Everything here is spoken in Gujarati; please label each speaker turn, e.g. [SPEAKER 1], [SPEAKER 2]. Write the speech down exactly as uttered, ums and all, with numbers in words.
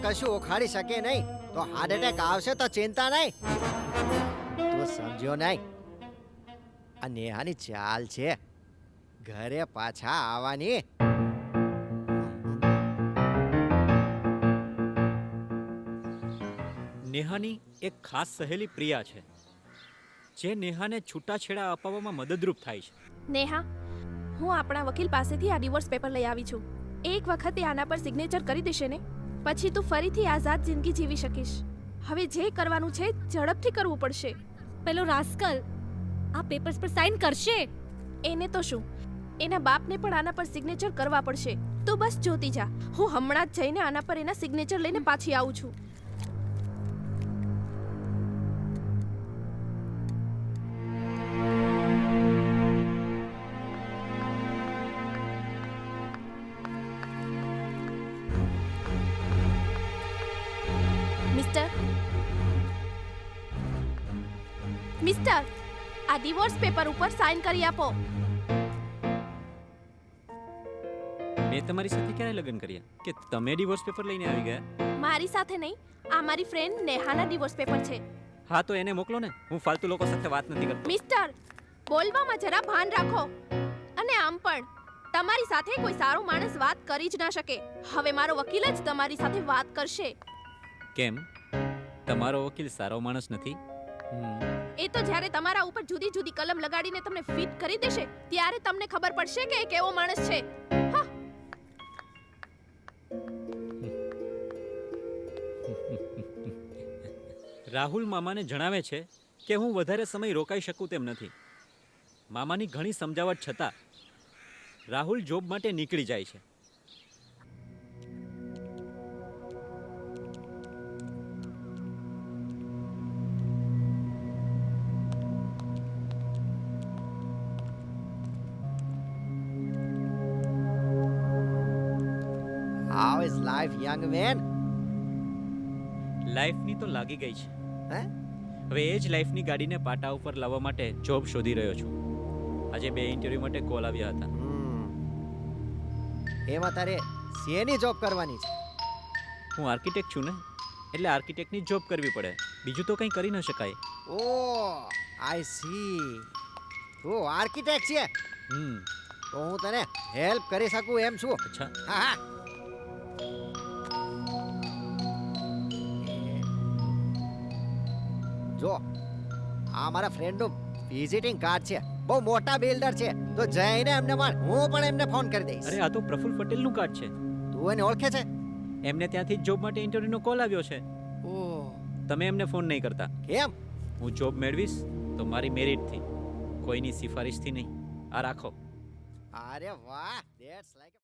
[SPEAKER 1] કશું ઉખાડી શકે નહીં તો હાર્ટ એટેક આવશે તો ચિંતા નહીં. તું સમજ્યો નહીં? આ નેહાની ચાલ છે ઘરે પાછા આવવાની.
[SPEAKER 2] નેહાની એક ખાસ સહેલી પ્રિયા છે જે નેહાને છૂટાછેડા અપાવવામાં મદદરૂપ થાય છે.
[SPEAKER 3] નેહા, હું આપણા વકીલ પાસેથી આ ડિવોર્સ પેપર લઈ આવી છું. એક વખતે આના પર સિગ્નેચર કરી દેશે ને, પછી તું ફરીથી આઝાદ જિંદગી જીવી શકીશ. હવે જે કરવાનું છે ઝડપથી કરવું પડશે.
[SPEAKER 4] પેલો રાસ્કલ આ પેપર્સ પર સાઇન કરશે.
[SPEAKER 3] એને તો શું, એના બાપને પણ આના પર સિગ્નેચર કરવા પડશે. તું બસ જોતી જા, હું હમણાં જ જઈને આના પર એના સિગ્નેચર લઈને પાછી આવું છું. મિસ્ટર મિસ્ટર આ ડિવોર્સ પેપર ઉપર સાઇન કરી આપો.
[SPEAKER 2] મેં તમારી સાથે ક્યારે લગ્ન કર્યા કે તમે ડિવોર્સ પેપર લઈને આવી ગયા?
[SPEAKER 3] મારી સાથે નહીં, આ મારી ફ્રેન્ડ નેહાના ડિવોર્સ પેપર છે.
[SPEAKER 2] હા તો એને મોકલો ને, હું ફાલતુ લોકો સાથે વાત નથી કરતો.
[SPEAKER 3] મિસ્ટર, બોલવામાં જરા ભાન રાખો. અને આમ પણ તમારી સાથે કોઈ સારો માણસ વાત કરી જ ના શકે. હવે મારો વકીલ જ તમારી સાથે વાત કરશે.
[SPEAKER 2] કેમ, તમારો વકીલ સારો માણસ નથી?
[SPEAKER 3] એ તો જ્યારે તમારા ઉપર જુદી જુદી કલમ લગાડીને તમને ફિટ કરી દેશે ત્યારે તમને ખબર પડશે કે એ કેવો માણસ છે. હા.
[SPEAKER 2] રાહુલ મામાને જણાવે છે કે હું વધારે સમય રોકાઈ શકું તેમ નથી. મામાની ઘણી સમજાવટ છતાં રાહુલ જોબ માટે નીકળી જાય છે.
[SPEAKER 1] How is life, young man?
[SPEAKER 2] લાઈફની તો લાગી ગઈ છે.
[SPEAKER 1] હે?
[SPEAKER 2] હવે એ જ લાઈફની ગાડીને પાટા ઉપર લાવવા માટે જોબ શોધી રહ્યો છું. આજે બે ઇન્ટરવ્યૂ માટે કોલ આવ્યા હતા.
[SPEAKER 1] હમ. એમાં તારે શેની જોબ કરવાની છે?
[SPEAKER 2] હું આર્કિટેક્ટ છું ને, એટલે આર્કિટેક્ટની જોબ કરવી પડે, બીજું તો કંઈ કરી ન શકાય.
[SPEAKER 1] ઓ આઈ સી, તું આર્કિટેક્ટ છે
[SPEAKER 2] હમ
[SPEAKER 1] તો હું તને હેલ્પ કરી શકું એમ છું.
[SPEAKER 2] અચ્છા,
[SPEAKER 1] હા હા. જો આ મારા ફ્રેન્ડનું વિઝિટિંગ કાર્ડ છે, બહુ મોટા બિલ્ડર છે, તો જઈને એમને મળ, હું પણ એમને ફોન કરી દઈશ.
[SPEAKER 2] અરે આ તો પ્રફુલ પટેલનું કાર્ડ છે.
[SPEAKER 1] તું એને ઓળખે છે?
[SPEAKER 2] એમને ત્યાંથી જ જોબ માટે ઇન્ટરવ્યૂનો કોલ આવ્યો છે.
[SPEAKER 1] ઓહ,
[SPEAKER 2] તમે એમને ફોન નહીં કરતા.
[SPEAKER 1] કેમ?
[SPEAKER 2] હું જોબ મેળવીશ તો મારી મેરિટથી, કોઈની સિફારિશથી નહીં. આ રાખો.
[SPEAKER 1] અરે વાહ, ધેટ્સ લાઈક